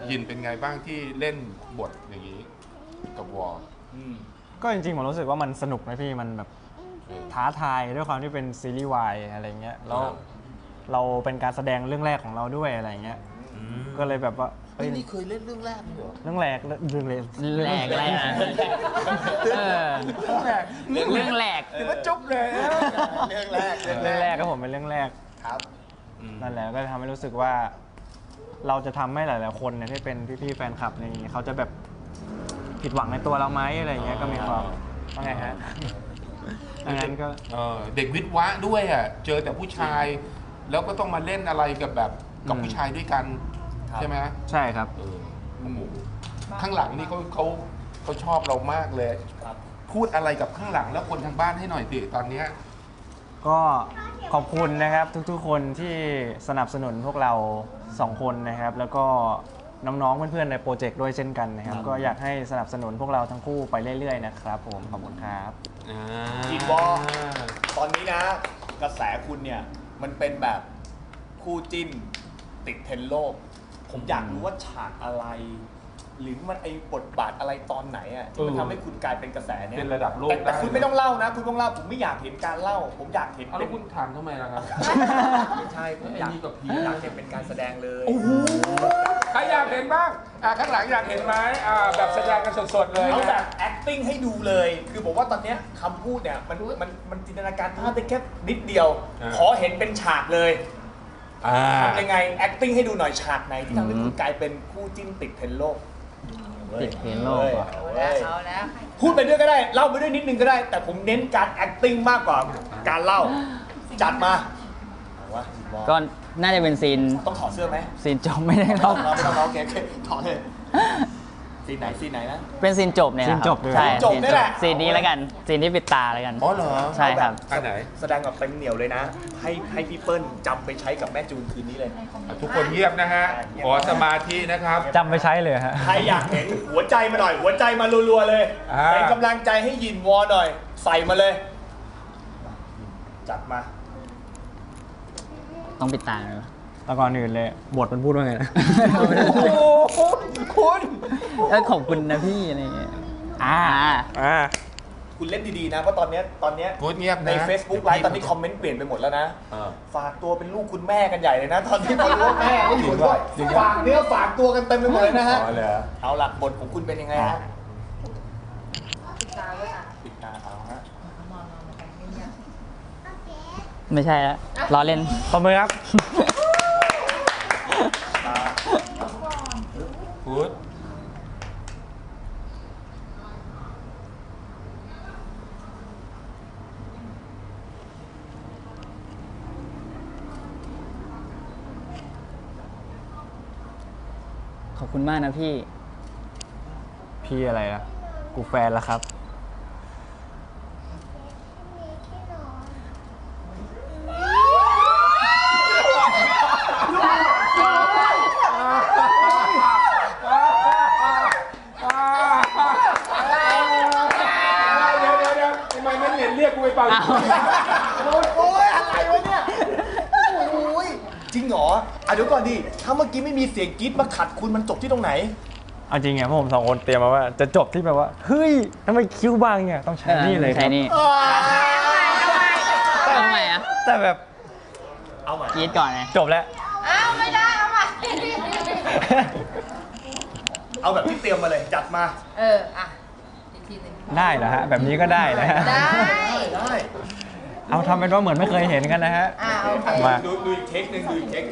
ยินเป็นไงบ้างที่เล่นบทอย่างนี้กับวอลก็จริงๆผมรู้สึกว่ามันสนุกนะพี่มันแบบท้าทายด้วยความที่เป็นซีรีส์วายอะไรเงี้ยแล้วเราเป็นการแสดงเรื่องแรกของเราด้วยอะไรเงี้ยก็เลยแบบว่านี่เคยเล่นเรื่องแรกเหรอเรื่องแรกอะไรนะเรื่องแรกถือว่าจบเลยเรื่องแรกครับผมเป็นเรื่องแรกครับนั่นแหละก็ทำให้รู้สึกว่าเราจะทำให้หลายๆคนเนี่ยที่เป็นพี่ๆแฟนคลับอะไรอย่างเงี้ยเขาจะแบบผิดหวังในตัวเราไหมอะไรเงี้ยก็มีความว่าไงฮะดังนั้นก็เด็กวิทย์วะด้วยอ่ะเจอแต่ผู้ชายแล้วก็ต้องมาเล่นอะไรกับผู้ชายด้วยกันใช่ไหมใช่ครับข้างหลังนี่เขาชอบเรามากเลยพูดอะไรกับข้างหลังแล้วคนทางบ้านให้หน่อยสิตอนนี้ก็ขอบคุณนะครับทุกๆคนที่สนับสนุนพวกเรา2คนนะครับแล้วก็น้องๆเพื่อนๆในโปรเจกต์ด้วยเช่นกันนะครับก็อยากให้สนับสนุนพวกเราทั้งคู่ไปเรื่อยๆนะครับผมขอบคุณครับจีบอตอนนี้นะกระแสคุณเนี่ยมันเป็นแบบคู่จิ้นติดเทรนด์โลกผมอยากรู้ว่าฉากอะไรหรือมันไอ้บทบาทอะไรตอนไหนอ่ะที่มันทำให้คุณกลายเป็นกระแสเนี่ยเป็นระดับโลกแต่คุณไม่ต้องเล่านะคุณต้องเล่าผมไม่อยากเห็นการเล่าผมอยากเห็นแล้วคุณถามทำไมล่ะครับไม่ใช่ผมอยากเห็นเป็นการแสดงเลยใครอยากเห็นบ้างข้างหลังอยากเห็นไหมแบบแสดงกันสดๆเลยเอาแบบ acting ให้ดูเลยคือบอกว่าตอนนี้คำพูดเนี่ยมันจินตนาการภาพได้แค่นิดเดียวขอเห็นเป็นฉากเลยทำยังไง acting ให้ดูหน่อยฉากไหนที่ทำให้คุณกลายเป็นคู่จิ้นติดเทรนด์โลกติดเทรนด์โลกเอาแล้วพูดไปด้วยก็ได้เล่าไปด้วยนิดนึงก็ได้แต่ผมเน้นการ acting มากกว่าการเล่าจัดมาก็น่าจะเป็นซีนต้องถอดเสื้อไหมซีนจบไม่ได้หรอกไม่ต้องโอเคถอดเลยซีนไหนนะเป็นซีนจบเนี่ยครับใช่จบนี่แหละซีนนี้แล้วกันซีนที่ปิดตาแล้วกันอ๋อเหรอใช่ครับอันไหนแสดงแบบเต็มเหนียวเลยนะให้พี่เปิ้ลจำไปใช้กับแม่จูนคืนนี้เลยทุกคนเงียบนะฮะขอสมาธินะครับจำไปใช้เลยฮะใครอยากเห็นหัวใจมาหน่อยหัวใจมารัวๆเลยเป็นกำลังใจให้ยินวอหน่อยใส่มาเลยจัดมาต้องปิดตาเลยแล้วก่อนอื่นเลยบทมันพูดว่าไงนะคุณขอบคุณนะพี่อะไรเงี้ยคุณเล่นดีๆนะเพราะตอนเนี้ยใน Facebook ไลฟ์ตอนนี้คอมเมนต์เปลี่ยนไปหมดแล้วนะฝากตัวเป็นลูกคุณแม่กันใหญ่เลยนะตอนที่พอรู้ว่าแม่ไม่อยู่ด้วยฝากเนื้อฝากตัวกันเต็มไปหมดเลยนะฮะเอาหลักบทของคุณเป็นยังไงฮะปิดตาเอาฮะไม่ใช่แล้วล้อเล่นขอบคุณครับพูดขอบคุณมากนะพี่อะไรล่ะกูแฟนแล้วครับโอ้ยอะไรวะเนี่ยโอ้ยจริงเหรอเดี๋ยวก่อนดิถ้าเมื่อกี้ไม่มีเสียงกรี๊ดมาขัดคุณมันจบที่ตรงไหนเอาจริงไงพวกผม2คนเตรียมมาว่าจะจบที่แบบว่าเฮ้ยทำไมคิ้วบางเนี่ยต้องใช้นี่เลยครับใช้นี่ทำไมอ่ะแต่แบบเอาใหม่กรี๊ดก่อนไงจบแล้วไม่ได้เอาใหม่เอาแบบที่เตรียมมาเลยจัดมาอีกทีนึงได้เหรอฮะแบบนี้ก็ได้นะฮะได้เอาทำเป็นว่าเหมือนไม่เคยเห็นกันนะฮะมาดูอีกเทคหนึ่ง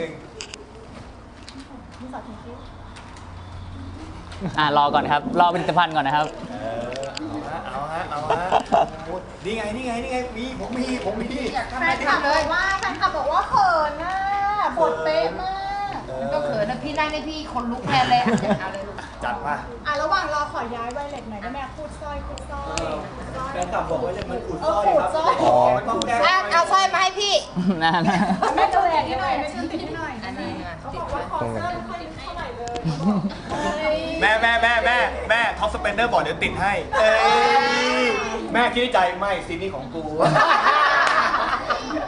รอก่อนครับรอผลิตภัณฑ์ก่อนนะครับเอาฮะนี่ไงผมมีแฟนคลับเลยว่าแฟนคลับบอกว่าเขินน่ะบทเป๊ะมากก็เขินนะพี่นั่งได้พี่คนลุกแทนเลยเอาเลยลูกจัดมาระหว่างรอขอย้ายไวเล็ตหน่อยได้ไหมพูดสร้อยแฟนคลับบอกว่าจะมันขูดสร้อยครับเอาสร้อยมาให้พี่นั่นแม่ตัวแหวนที่หน่อยแม่ช่วยติดให้หน่อยอันนี้เขาบอกว่าขอเสื้อค่อยเท่าไหร่เลยแม่ท็อปสเปนเดอร์บอกเดี๋ยวติดให้แม่คิดในใจไม่ซีนี่ของกู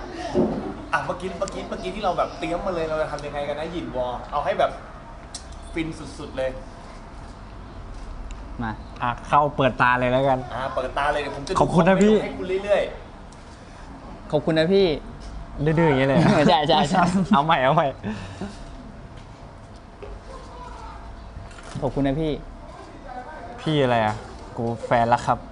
เมื่อกี้ที่เราแบบเตรียมมาเลยเราจะทำยังไงกันนะหยินวอเอาให้แบบฟินสุดๆเลยมาเข้าเปิดตาเลยแล้วกันเปิดตาเลยเดี๋ยวผมจะดูขอบคุณนะพี่ให้คุณเรื่อยขอบคุณนะพี่ดื้อๆอย่างเงี้ยเลยใช่ใช่ใช่เอาใหม่เอาใหม่ขอบคุณนะพี่พี่อะไรอ่ะ กูแฟนละครับ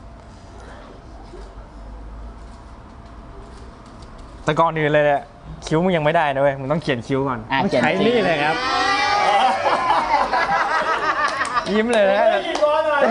แต่ก่อนอื่นเลยเนี่ยคิ้วมึงยังไม่ได้นะเว้ย มึงต้องเขียนคิ้วก่อน ต้องเขียนใช้คิ้วนี่เลยครับ ยิ้มเลยนะๆยินร้อนหน่อย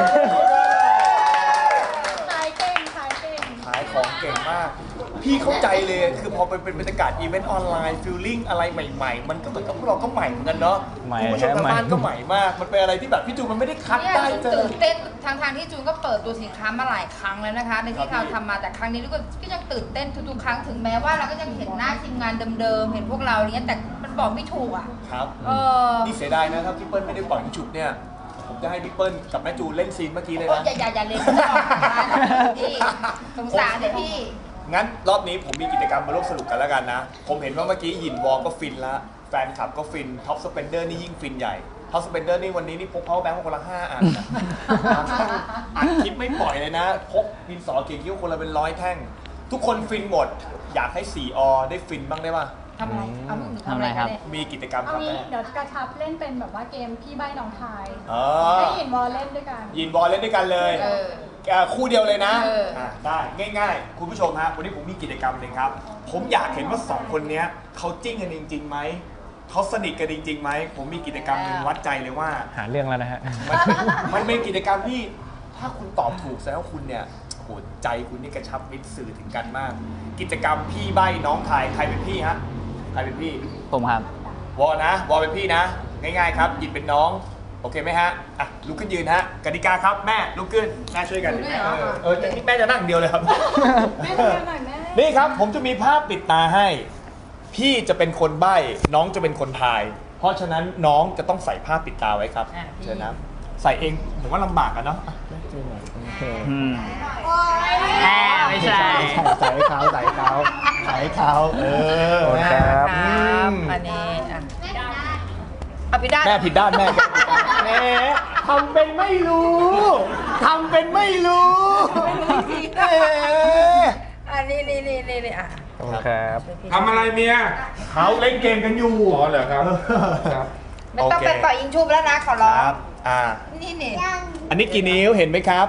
ขายเก่งขายเก่งขายของเก่งมาก พี่เข้าใจเลยคือพอเป็นบรรยากาศอีเวนต์ออนไลน์ฟิลลิ่งอะไรใหม่ๆ มันก็เหมือนกับพวกเราก็ใหม่เหมือนกันเนาะใหม่คุณผู้ชมทางบ้านก็ใหม่มาก มันเป็นอะไรที่แบบพี่จูนมันไม่ได้คัดเนี่ยได้จูนเจอตื่นเต้นทางที่จูนก็เปิดตัวสินค้ามาหลายครั้งแล้วนะคะ ในที่เราทำมาแต่ครั้งนี้ก็ยังตื่นเต้นทุกๆครั้งถึงแม้ว่าเราก็ยังเห็นหน้าทีมงานเดิมๆเห็นพวกเราเนี้ยแต่มันบอกไม่ถูกอ่ะครับเออนี่เสียดายนะถ้าพี่เปิ้ลไม่ได้ปล่อยให้ฉุบเนี่ย ผมจะให้พี่เปิ้ลกับแม่จูนเล่นซีนเมื่อกี้เลยโอ้ยนะอย่าเล่นไม่ออกนะพี่สงสารเดี๋ยวพี่งั้นรอบนี้ผมมีกิจกรรมมาร่วมสนุกกันแล้วกันนะ ผมเห็นว่าเมื่อกี้หยินวอลก็ฟินละแฟนคลับก็ฟินท็อปสเปนเดอร์นี่ยิ่งฟินใหญ่ท็อปสเปนเดอร์นี่วันนี้นี่พกเพาแบงค์คนละ5 อันนะอัดคลิปไม่ปล่อยเลยนะ พกดินสอเขียนคิ้วคนละเป็น100 แท่ง ทุกคนฟินหมด อยากให้4 อได้ฟินบ้างได้ป่ะทำอะไรเอาหนูทำอะไรครับเนี่ยมีกิจกรรมคเอารับงี้แม่เดี๋ยวกระชับเล่นเป็นแบบว่าเกมพี่ใบ้น้องทายอ๋อให้หยินวอลเล่นด้วยกันหยินวอลเล่นด้วยกันเลยเออคู่เดียวเลยนะเออได้ง่ายๆ คุณผู้ชมฮะวันนี้ผมมีกิจกรรมหนึ่งครับ ผมอยากเห็นว่า2 คนเนี้ยเขาจิ้งกันจริงๆไหมเขาสนิทกันจริงๆไหมผมมีกิจกรรมหนึ่งวัดใจเลยว่าหาเรื่องแล้วนะฮะมันเป็นกิจกรรมที่ถ้าคุณตอบถูกแสดงว่าคุณเนี่ยโหใจคุณนี่กระชับมิตรสื่อถึงกันมาก กิจกรรมพี่ใบ้น้องทายใครเป็นพี่ฮะใครเป็นพี่ผมครับวอนะวอเป็นพี่นะ ง่ายๆครับหยิบเป็นน้องโอเคไหมฮะอ่ะลุกขึ้นยืนฮะกติกาครับแม่ลุกขึ้นแม่ช่วยกันดิแม่แม่จะนั่งเดียวเลยครับแม่ทำงานหน่อยแม่นี่ครับผมจะมีภาพปิดตาให้ พี่จะเป็นคนใบ้น้องจะเป็นคนทาย เพราะฉะนั้นน้องจะต้องใส่ผ้าปิดตาไว้ครับอ่ะพี่เชิญนะใส่เองผมว่าลำบากกันเนาะอ่ะแม่ช่วยหน่อยอืมโอ๊ยแอบไม่ใช่ใส่ให้เขาใส่ให้เขาใส่ให้เขาโอเคครับครับอันนี้อ่ะเอาพี่ด้านแม่ผิดด้านแม่แม่ทำเป็นไม่รู้ทำเป็นไม่รู้แม่อันนี้นี่อ่ะโอเคครับทำอะไรเมียเขาเล่นเกมกันอยู่อ๋อเหรอครับครับไม่ต้องไปต่อยยิงชุบแล้วนะขอร้องครับนี่อันนี้กี่นิ้วเห็นไหมครับ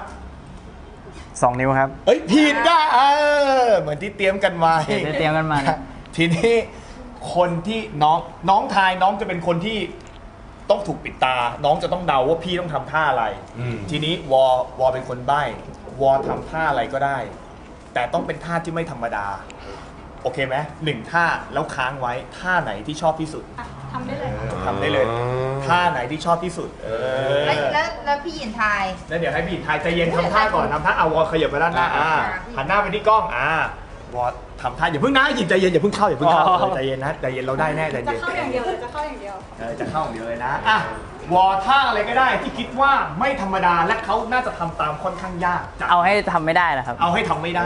2 นิ้วครับเอ้ยผิดอ่ะเหมือนที่เตรียมกันไว้เตรียมกันมาทีนี้คนที่น้องทายน้องจะเป็นคนที่ต้องถูกปิดตา น้องจะต้องเดาว่าพี่ต้องทำท่าอะไร ทีนี้วอเป็นคนใบ้วอทำท่าอะไรก็ได้ แต่ต้องเป็นท่าที่ไม่ธรรมดา โอเคไหม1 ท่าแล้วค้างไว้ท่าไหนที่ชอบที่สุดทำได้เลยทำได้เลยท่าไหนที่ชอบที่สุดแล้วพี่หยินทายแล้วเดี๋ยวให้พี่ทายใจเย็นทำท่าก่อนทำท่าเอาวอขยับไปด้านหน้าหันหน้าไปที่กล้องวอทำท่าอย่าเพิ่งนะหยิบใจเย็นอย่าเพิ่งเข้าใจเย็นนะใจเย็นเราได้แน่ใจจะเย็นเข้าอย่างเดียวเลยจะเข้าอย่างเดียวจะเข้าอย่างเดียวเลยนะวอท่าอะไรก็ได้ที่คิดว่าไม่ธรรมดาและเขาน่าจะทำตามค่อนข้างยากจะเอาให้ทำไม่ได้เหรอครับเอาให้ทำไม่ได้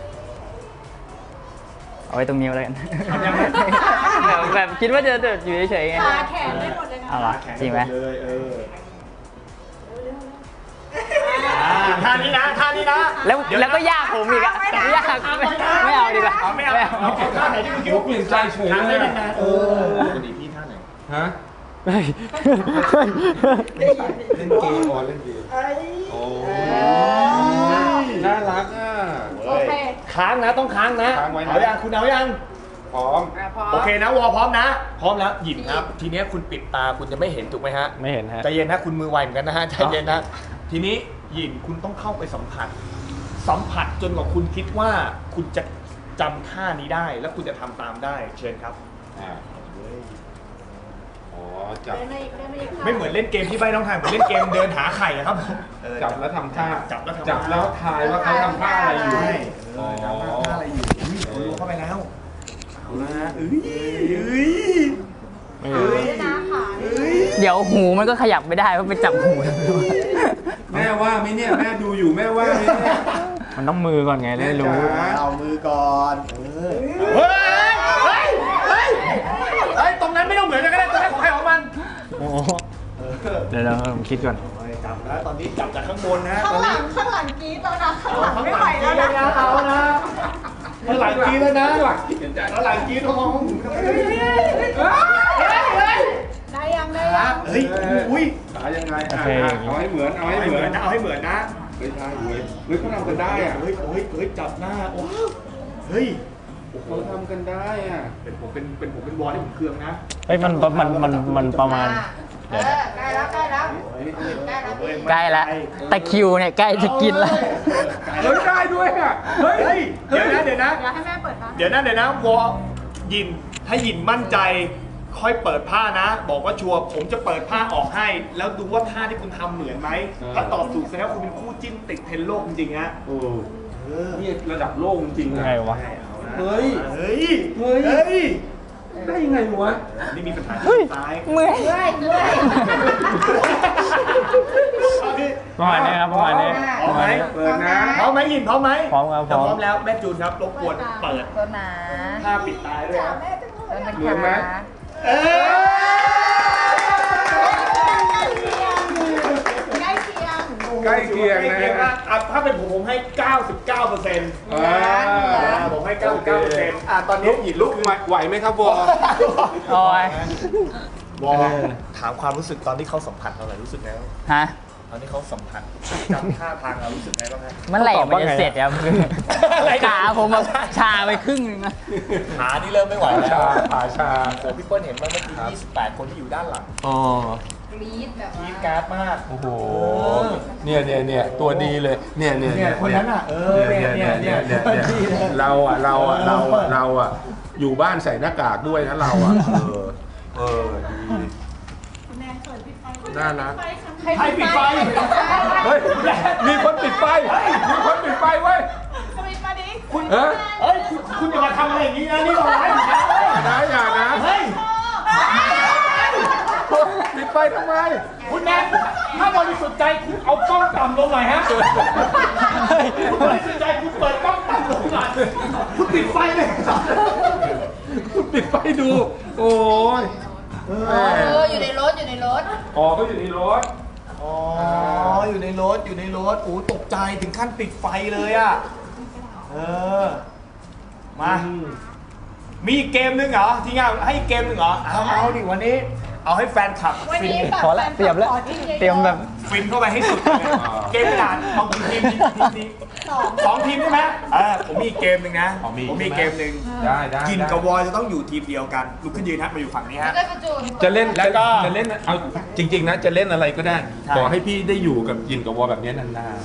เอาไว้ตรงนิ้วเลยกันทำยังไงแบบคิดว่าจะอยู่เฉยๆไงขาแขนได้หมดเลยนะเอาละจริงไหมเลยท่านี้นะท่านี้นะแล้วก็ยากผมอีกอะยากไม่เอาดีกว่าไม่เอาท่าไหนที่คุณคิดว่าเปลี่ยนใจเฉยท่าเลได้ยนานปกติพี่ท่าไหนฮะเฮ้ยเล่นเกมอ๋อเล่นเกมโอ้น่ารักอ่ะโอเคค้างนะต้องค้างนะค้างไว้นะเอายังคุณเอายังพร้อมโอเคนะวอพร้อมนะ พร้อมแล้วหยิบครับ ทีเนี้ยคุณปิดตาคุณจะไม่เห็นถูกไหมฮะไม่เห็นฮะใจเย็นนะคุณมือไวเหมือนกันนะฮะใจเย็นนะทีนี้หยินคุณต้องเข้าไปสัมผัสจนกว่าคุณคิดว่าคุณจะจำท่านี้ได้ แล้วคุณจะทำตามได้เชิญครับอ๋อจับเดินมาอีกเดินมาอีกไม่เหมือนเล่นเกมที่ใบน้องทายเหมือนเล่นเกมเดินหาไข่อะครับจับแล้วทำท่าจับแล้วทำจับแล้วทายว่าเขาทำท่าอะไรอยู่ใช่จำท่าอะไรอยู่อุ้ยรู้เข้าไปแล้วเอาละนะขาเดี๋ยวหูมันก็ขยับไม่ได้เพราะไปจับหูแม่ว่าไหมเนี่ยแม่ดูอยู่แม่ว่าไหมเนี่ยมันต้องมือก่อนไงได้รู้เอามือก่อนเฮ้ยตรงนั้นไม่ต้องเหมือนกันก็ได้ตรงนั้นของใครของมันโอ้เดี๋ยวผมคิดก่อนจับแล้วตอนนี้จับจากข้างบนนะข้างหลังกรี๊ดแล้วนะข้างหลังไม่ไหวแล้วนะเอานะข้างหลังกรี๊ดแล้วนะข้างหลังกรี๊ดมองได้ยังเฮ้ยอุ้ยขายังไงโอเคเอาให้เหมือนเอาเอาให้ให้เหเหมืมืออน นนะเอาให้เหมือนนะไม่ได้เว้ยเฮ้ยเขาทำกันได้อะเฮ้ยจับหน้าโอ้เฮ้ยเขาทำกันได้อะเป็นผมเป็นวอลที่ผมเคืองนะเฮ้ยมันประมาณใกล้แล้วใกล้แล้วใกล้แล้วพี่ใกล้แล้วตะคริวเนี่ยใกล้จะกินแล้วเฮ้ยได้ด้วยอ่ะเฮ้ยเดี๋ยวนะเดี๋ยวให้แม่เปิดนะเดี๋ยวนะวอยินถ้ายินมั่นใจค่อยเปิดผ้านะ บอกว่าชัวร์ผมจะเปิดผ้าออกให้ แล้วดูว่าท่าที่คุณทำเหมือนไหมถ้าตอบถูกแสดงว่าคุณเป็นคู่จิ้นติดเทรนด์โลกจริงๆฮะโอ้นี่ระดับโลกจริงๆยังอะไงวะเฮ้ยเฮ้ยได้ยังไงวะนี่มีปัญหาที่ซ้ายเมื่อยเมื่อยเมื่อยประมาณนี้ครับประมาณนี้พร้อมไหมเปิดนะพร้อมไหมยินพร้อมไหมพร้อมครับถ้าพร้อมพร้อมแล้วแม่จูนครับรบกวนเปิดตัวหนาผ้าปิดตายด้วยครับตัวหนาเหมือนไหมเอ้ยใกล้เคียงใกล้เคียงนะถ้าเป็นผมให้ 99% ผมให้ 99%ตอนนี้หยินลุกไหวไหมครับวอโอ้ยวอถามความรู้สึกตอนที่เขาสัมผัสเราหน่อยรู้สึกไงบ้างฮะตอนที่เขาสัมผัสจำท่าทางเรารู้สึกไงบ้างฮะเมื่อไหร่มันจะเสร็จครับขาผมแบบชาไปครึ่งนึงนะขานี่เริ่มไม่ไหวแล้วขาชาโอ้พี่เปิ้ลเห็นว่าเมื่อกี้28 คนที่อยู่ด้านหลังอ๋อกรี๊ดแบบกรี๊ว่าดกราร์ดมากโอ้โหเนี่ยตัวดีเลยเนี่ยคนนั้นอ่ะเราอยู่บ้านใส่หน้ากากด้วยนะเราอ่ะดีแม่เปิดปิดไฟน่ารักใครปิดไฟเฮ้ยมีคนปิดไฟมีคนปิดไฟเว้ยสวิตช์มาดิเฮ้ยเฮ้ยคุณอย่ามาทำอะไรอย่างนี้นะนี่เราไลฟ์อยู่นะอย่านะเฮ้ยปิดไฟทำไมคุณแนนถ้าบริสุทธิ์ใจคุณเอากล้องต่ำลงหน่อยฮะคุณบริสุทธิ์ใจคุณเปิดกล้องต่ำลงหน่อยคุณปิดไฟเลยคุณปิดไฟดู โอ้ยอยู่ในรถอยู่ในรถอ๋อเขาอยู่ในรถอ๋ออยู่ในรถโอ้ตกใจถึงขั้นปิดไฟเลยอ่ะมามีอีกเกมนึงเหรอที่งานให้อีกเกมนึงเหรอเอาดิวันนี้เอาให้แฟนคลับวันฟินนี้แบบพอละเตรียมแล้วเตรียมแบบฟินเข้าไปให้สุดเลยเกมกระดาษเอาทีมสองทีมใช่ไหมผมมีอีกเกมหนึ่งนะผมมีเกมหนึ่งได้กินกับวอยจะต้องอยู่ทีมเดียวกันลุกขึ้นยืนฮะมาอยู่ฝั่งนี้แล้วฮะก็กระจูนจะเล่นแล้วก็จะเล่นเอาจริงๆนะจะเล่นอะไรก็ได้ใช่ขอให้พี่ได้อยู่กับยินกับวอแบบนี้นาน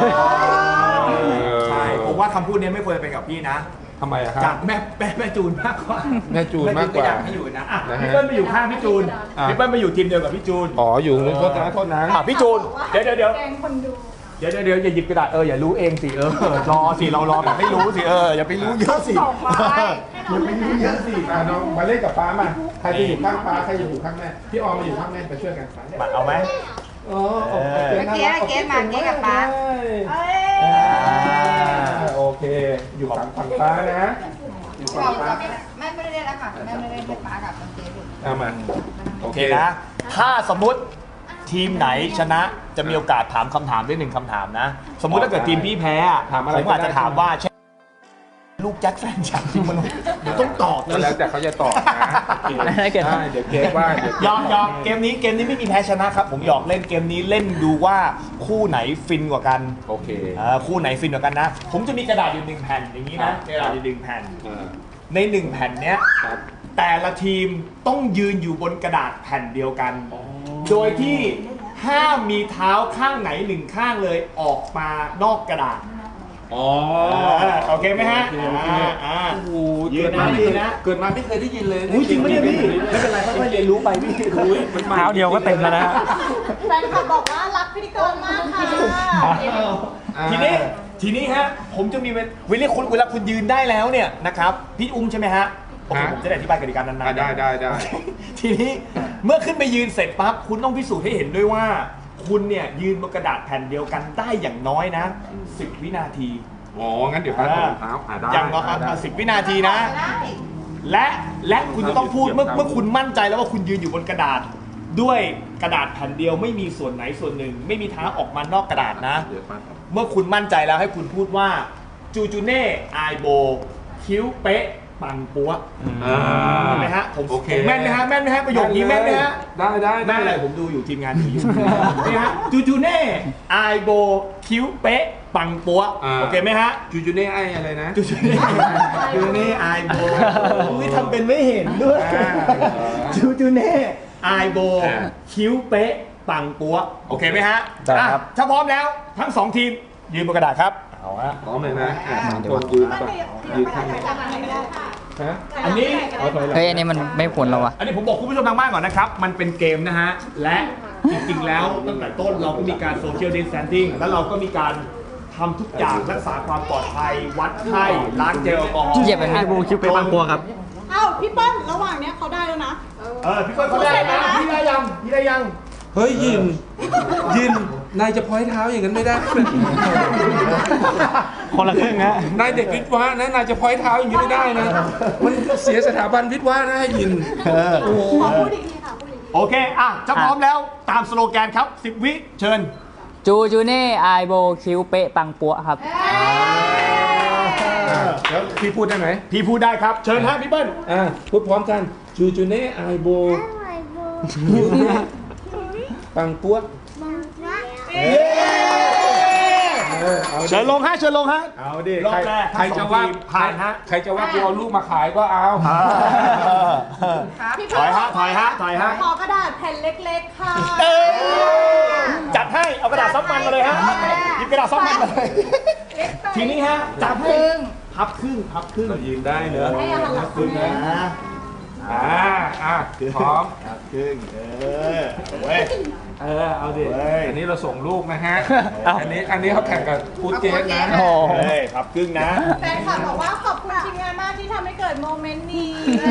ๆใช่ผมว่าคำพูดนี้ไม่ควรจะเป็นกับพี่นะทำไมอะคจารักบแม่จูนมากกว่าแม่จูนมากกว่าอยากให้อยู่นะนะฮะพี่เปิ้ลไปอยู่ข้างพี่จูนอ่ะพี่เปิ้ลไปอยู่ทีมเดียวกับพี่จูนอ๋ออยู่โทษนะพี่จูนเดี๋ยวแกงคนดูอย่าหยิบกระดาษอย่ารู้เองสิรอสิเรารอแบบไม่รู้สิอย่าไปรู้เยอะสิส่งมาให้อย่าไปรู้เยอะสิน้องมาเล่นกับป้ามาใครจะอยู่ข้างป้าใครจะอยู่ข้างแม่พี่ออมมาอยู่ข้างแม่ไปช่วยกันมาเอาไหมอ๋อเมื่อกี้เกมมาเกมกับป้าเอ้ยโอเค อยู่ฝั่งป้านะอยู่ฝั่เรางป้าไม่ได้เล่นแล้วค่ะแม่ไม่ได้เล่นป้ากับเจดุเอามาโอโอเคเคนะ ถ้าสมมุติทีมไหนชนะจะมีโอกาสถามคำถามได้1คำถามนะ สมมุติถ้าเกิดทีมพี่แพ้ผมอาจจะถามว่าลูกแจ็คแฟนฉันจริงมันเดี๋ยวต้องตอบก็แล้วแต่เขาจะตอบนะถ้าเกิดได้เดี๋ยวเกมว่าเดี๋ยวยอมเกมนี้ไม่มีแพ้ชนะครับ ผมหยอกเล่นเกมนี้เล่นดูว่าคู่ไหนฟินกว่ากันโอเคคู่ไหนฟินกว่ากันนะ ผมจะมีกระดาษอยู่1แผ่นอย่างนี้นะกระดาษอยู่1แผ่นใน1แผ่นเนี้ยครับแต่ละทีมต้องยืนอยู่บนกระดาษแผ่นเดียวกัน โดยที่ห้ามมีเท้าข้างไหน1ข้างเลยออกมานอกกระดาษอ๋อโอเคไหมฮะโอเคโอ้โหยืเกินดมานะไม่ยืเคน ยนะเกิดมาไม่เคยได้ยินเลยอุ้ยจริงไหมเนี่ยพี่ไม่เป็นไรค่อยๆเรียนรู้ไปพี่เท้าเดียวก็เต็มแล้วนะฮะแฟนคลับบอกว่ารักพิธีกรมากค่ะทีนี้ฮะผมจะมีเวลาคุณยืนได้แล้วเนี่ยนะครับพี่อุ้มใช่ไหมฮะโอเคผมจะได้อธิบายกติกานานๆได้ทีนี้เมื่อขึ้นไปยืนเสร็จปั๊บคุณต้องพิสูจน์ให้เห็นด้วยว่า คุณเนี่ยยืนบนกระดาษแผ่นเดียวกันได้อย่างน้อยนะ10 วินาทีอ๋อ งั้นเดี๋ยวป้าถอดรองเท้าได้อย่างน้อย10 วินาทีนะ และคุณจะต้องพูดเมื่อคุณมั่นใจแล้วว่าคุณยืนอยู่บนกระดาษด้วยกระดาษแผ่นเดียวไม่มีส่วนไหนส่วนหนึ่ง ไม่มีทางออกมานอกกระดาษนะ เมื่อคุณมั่นใจแล้วให้คุณพูดว่าจูจูเน่ไอโบคิ้วเป๊ะปังปัวเห็นไหมฮะผมแม่นไหมฮะแม่นไหมฮะประโยคนี้แม่นไหมฮะได้ได้แม่นอะไรผมดูอยู่ทีมงานดูอยู่นี่ฮะจูจูเน่ไอโบคิ้วเป๊ะปังปัวโอเคไหมฮะจูจูเน่ไออะไรนะจูจูเน่ไอโบอุ้ยทำเป็นไม่เห็นด้วยจูจูเน่ไอโบคิ้วเป๊ะปังปัวโอเคไหมฮะได้ครับถ้าพร้อมแล้วทั้งสองทีมยืนบนกระดาษครับเอาฮะพร้อมเลยนะคนยืนก่อนยืนข้างนี้ฮะอันนี้เฮ้ยอันนี้มันไม่ผลแล้ววะอันนี้ผมบอกคุณผู้ชมทางบ้านก่อนนะครับ มันเป็นเกมนะฮะ และจริงๆ แล้วตั้งแต่ต้นเราก็มีการโซเชียลดิสแทนซิ่งแล้วเราก็มีการทำทุกอย่างรักษาความปลอดภัย วัดไข้ ล้างเจลแอลกอฮอล์เหยียบไปไหมบูคิวเปปังปัวครับเอ้าพี่เปิ้ลระหว่างเนี้ยเขาได้แล้วนะพี่ก้อยเขาได้นะพี่ได้ยังพี่ได้ยังเฮ้ยยินนายจะพ้อยเท้าอย่างนั้นไม่ได้คนละครึ่งฮะนายเด็กวิทย์วะนะนายจะพ้อยเท้าอย่างนี้ไม่ได้นะ มันเสียสถาบันวิทย์วะนะให้ยินโอ้โหขอพูดอีกทีค่ะพูดอีกทีโอเคถ้าพร้อมแล้วตามสโลแกนครับ 10 วิเชิญจูจูเน่ไอโบคิ้วเป๊ะปังปัวครับแล้วพี่พูดได้ไหมพี่พูดได้ครับ เชิญฮะพี่เปิ้ลพูดพร้อมกันจูจูเน่ไอโบคิ้วเป๊ะปังปัวเชิญลงฮะเชิญลงฮะเอาดิรอบแรกใครจะว่าผ่านฮะใครจะว่ากูเอาลูกมาขายก็เอาพี่ถอยฮะถอยฮะถอยฮะขอกระดาษแผ่นเล็กๆค่ะจัดให้เอากระดาษซับมันมาเลยฮะหยิบกระดาษซับมันมาเลยทีนี้ฮะจับให้พับครึ่งพับครึ่งเรายืนได้เนอะให้อาหารหลักคุณพร้อมครึ่งเว้ยเอาดิเฮ้ยอันนี้เราส่งลูกนะฮะ อันนี้เขาแข่งกับฟูดเจสนะโอ้เฮ้ยพับครึ่งนะแฟนคลับบอกว่าขอบคุณทีมงานมากที่ทำให้เกิดโมเมนต์นี้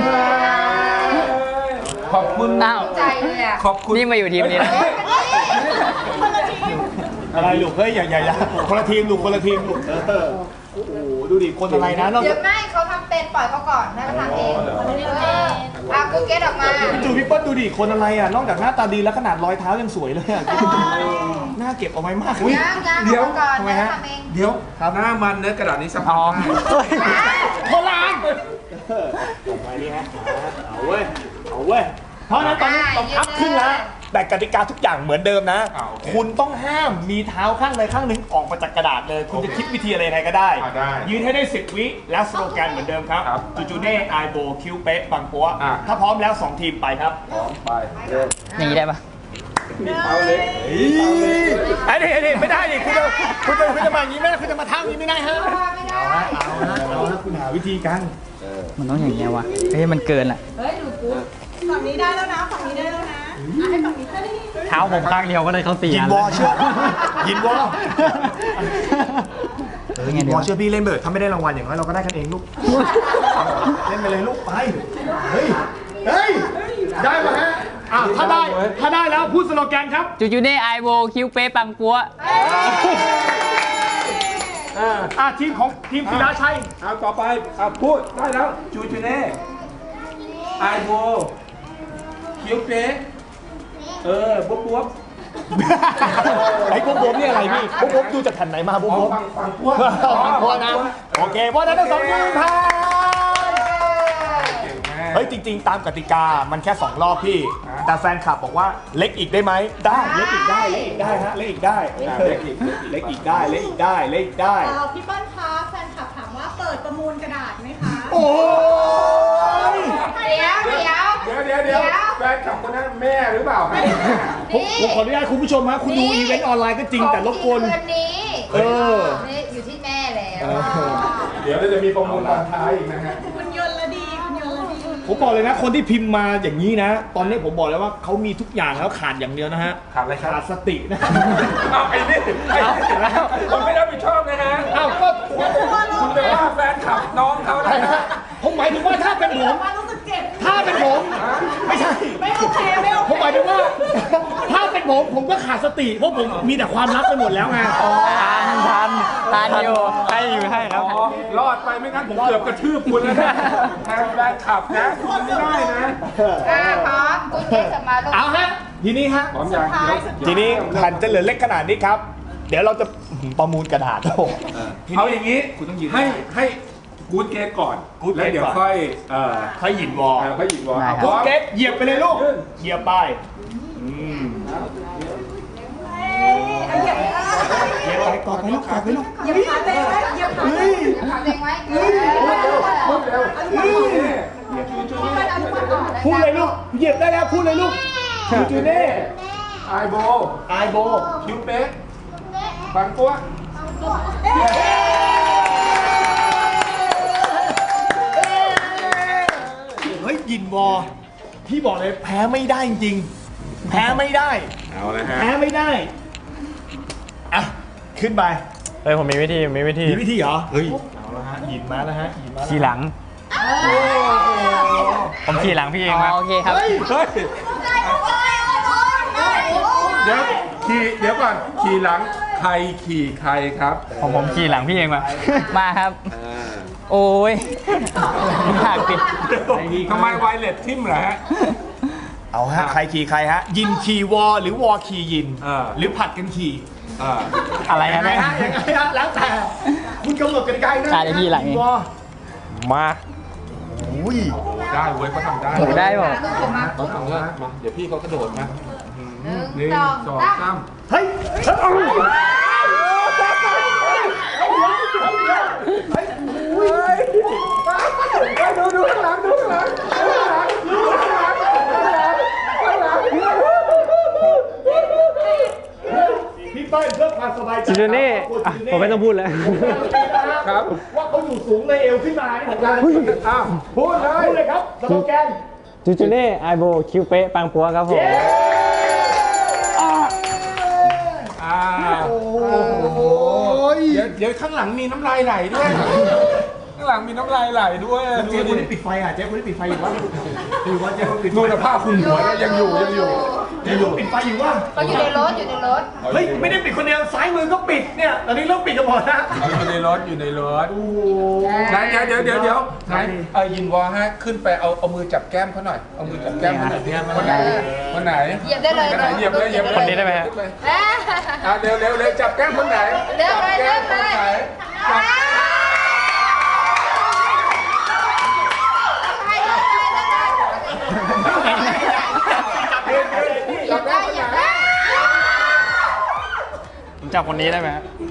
ขอบคุณอ้าวใจเลยอ่ะขอบคุณนี่มาอยู่ทีมนี้แล้วคนละทีมอะไรลูกเฮ้ยอย่าคนละทีมลูกคนละทีมลูกโอ้โหดูดิคนอะไรนะนอกเดี๋จาย กวไม่เขาทำเป็นปล่อยเขาก่อนให้เขาทำเองกูเก็ตออกมาจูพี่เปิ้ลดูดิคนอะไรอ่ะนอกจากหน้าตาดีแล้วขนาดรอยเท้ายังสวยเลยอ่ะหน้าเก็บเอาไว้มากย่างเดี๋ยวก่อนทำไมฮะทำเองเดี๋ยวหน้ามันเนื้อกระดาษนี้สัมผัสได้โคราชออกมานี่ฮะเอาเว้ยเพราะฉะนั้นตอนนี้ต้องพับครึ่งแล้วแต่กติกาทุกอย่างเหมือนเดิมนะ คุณต้องห้ามมีเท้าข้างใดข้างหนึ่งออกมาจากกระดาษเลย คุณจะคิดวิธีอะไรยังไงก็ได้ ยืนให้ได้ 10 วิและสโลแกนเหมือนเดิมครับจูจูเน่ไอโบคิวเป๊ะปังปัวถ้าพร้อมแล้ว 2 ทีมไปครับพร้อมไปอย่างนี้ได้ปะมีเท้าเล็กไอ้นี่ไม่ได้ดิคุณจะมาอย่างนี้ไม่ได้คุณจะมาท่าอย่างนี้ไม่ได้ฮะเอาฮะคุณหาวิธีกันมันต้องอย่างเงี้ยวะเฮ้ยมันเกินอ่ะเฮ้ยดูกูฝั่งนี้ได้แล้วนะฝั่งนี้ได้แล้วนะให้ฝั่งนี้ได้เท้าผมข้างเดียวก็เลยเขาเสียยินวอเชื่อยินวอไงยินเดี๋วยอวเชื่อพี่เล่นเบิร์ดถ้าไม่ได้รางวัลอย่างน้อยเราก็ได้กันเองลูกเล่นไปเลยลูกไปเฮ้ยได้ป่ะฮะถ้าได้แล้วพูดสโลแกนครับจูจูเน่ไอโบคิ้วเป๊ะปังปัวทีมศิลาชัยเอาต่อไปพูดได้แล้วจูจูเน่ไอโบคิวเป๊ะบ๊บไอ้พวกผมนี่อะไรพี่พวกผมดูจากแผ่นไหนมาพวกผมฟังพวกพอนะโอเคเพราะฉะนั้นทั้งสองทีมผ่านเก่งมากเฮ้ยจริง ๆ ตามกติกามันแค่2รอบพี่แต่แฟนคลับบอกว่าเล็กอีกได้ไหมได้เล็กอีกได้ฮะเล็กอีกได้เล็กอีกได้พี่เปิ้ลคะแฟนคลับถามว่าเปิดประมูลกระดาษไหมคะโอ้ยเดี๋ยวแฟนคลับคนนั้นแม่หรือเปล่าผมขออนุญาตคุณผู้ชมฮะคุณดูอีเวนต์ออนไลน์ก็จริงแต่รบกวนคืนนี้ นี่อยู่ที่แม่แล้วเดี๋ยวเราจะมีประมูลตอนท้ายอีกนะฮะคุณยนต์ละดีคุณยนต์ละดีผมบอกเลยนะคนที่พิมพ์มาอย่างนี้นะ ตอนนี้ผมบอกเลยว่าเขามีทุกอย่างแล้วขาดอย่างเดียวนะฮะขาดอะไรครับขาดสตินะเอาไอ้นี่แล้วคุณไม่รับผิดชอบนะฮะอ้าวก็คุณไปว่าแฟนคลับน้องเขานะฮะผมหมายถึงว่าถ้าเป็นผมว่ารู้สึกเจ็บถ้าเป็นผมไม่ใช่ไม่โอเคไม่โอผมหเคมายถึงว่า ถ้าเป็นผมก็ขาดสติเพราะผมมีแต่ความลับไปหมดแล้วไงทานอยู่ให้ครับรอดไปไม่งั้นผมเกือบกระทืบคุณแล้วนะแทนแฟนคลับนะคุณไม่ได้นะพร้อมกูเก็ตมาลูกเอาฮะทีนี้ฮะพร้อมยังเดี๋ยวทีนี้แผ่นจะเหลือเล็กขนาดนี้ครับ เดี๋ยวเราจะประมูลกระดาษโอ้โหเอาอย่างนี้คุณต้องยืนให้กู๊ดเกตก่อน Good แล้ว Gate เดี๋ยวก่อนค่อยค่อยหยินวอลค่อยหยิบวอลได้ครับพร้อมเกตเหยียบไปเลยลูก เหยียบไปเหยียบไปกอดไปลูกกอดไปลูกอย่าขาเตะไว้อย่าขาเตะขาเองไว้พูดเร็วพูดเลยลูก เหยียบได้แล้วพูดเลยลูกจูจูเน่ไอโบไอโบคิวเป๊กปังกัวเฮ้ยหยินวอลพี่บอกเลยแพ้ไม่ได้จริงแพ้ไม่ได้เอาละฮะแพ้ไม่ได้อ่ะขึ้นไปเฮ้ยผมมีวิธีมีวิธีเหรอ เฮ้ย เอาละฮะหยินมาแล้วฮะหยินมาแล้วขี่หลัง ผมขี่หลังพี่เองอ๋อมาโอเคครับเฮ้ยเดี๋ยวก่อนขี่หลังใครขี่ใครครับผมขี่หลังพี่เองมามาครับ โอ้ยอยากปิดทำไมไวเลสทิมเหรอฮะเอาฮะใครขี่ใครฮะ ยินขี่วอหรือวอขี่ยินอ่าหรือผัดกันขี่อะไรยัฮะงไงเนี่ยฮะยังไงฮะแล้วแต่คุณกำหนดกติกาเองนะใช่เดี๋ยวพี่หลังเองวอมาอุ้ยได้เว้ยเขาทำได้โอ้ได้บอกเขาทำได้มาเดี๋ยวพี่เขากระโดดมาหนึ่งสองสามสามเฮ้ยดูข้างหลังดูข้างหลังพี่เปิ้ลเพื่อความสบายใจจูเน่ครับผมไม่ต้องพูดแล้วครับว่าเขาอยู่สูงเลยเอวขึ้นมานี่ผมการันตีอ้าวพูดเลยพูดเลยครับสโลแกนจูจูเน่ไอโบคิวเป๊ะปังปัวครับผมเดี๋ยวข้างหลังมีน้ำลายไหลด้วย ข้างหลังมีน้ำลายไหลด้วยเจ๊คนนี้ปิดไฟอ่ะเจ๊คนนี้ปิดไฟอยู่วะอยู่วะเจ๊คนปิดไฟนู่นนะผ้าคลุมหัวเนี่ยยังอยู่เจ๊คนปิดไฟอยู่วะก็อยู่ในรถเฮ้ยไม่ได้ปิดคนเดียวซ้ายมือก็ปิดเนี่ยตอนนี้เริ่มปิดกันหมดนะอยู่ในรถไหนเดี๋ยวไหนยินวอฮะขึ้นไปเอามือจับแก้มเขาหน่อยเอามือจับแก้มเขาหน่อยคนไหนเหยียบได้เลยเหยียบเลยคนนี้ได้ไหมฮะเร็วจับแก้มคนไหนเร็วเลยแก้มคนไหนจับแก้มคนไหนผมจับคนนี้ได้ไหมฮะ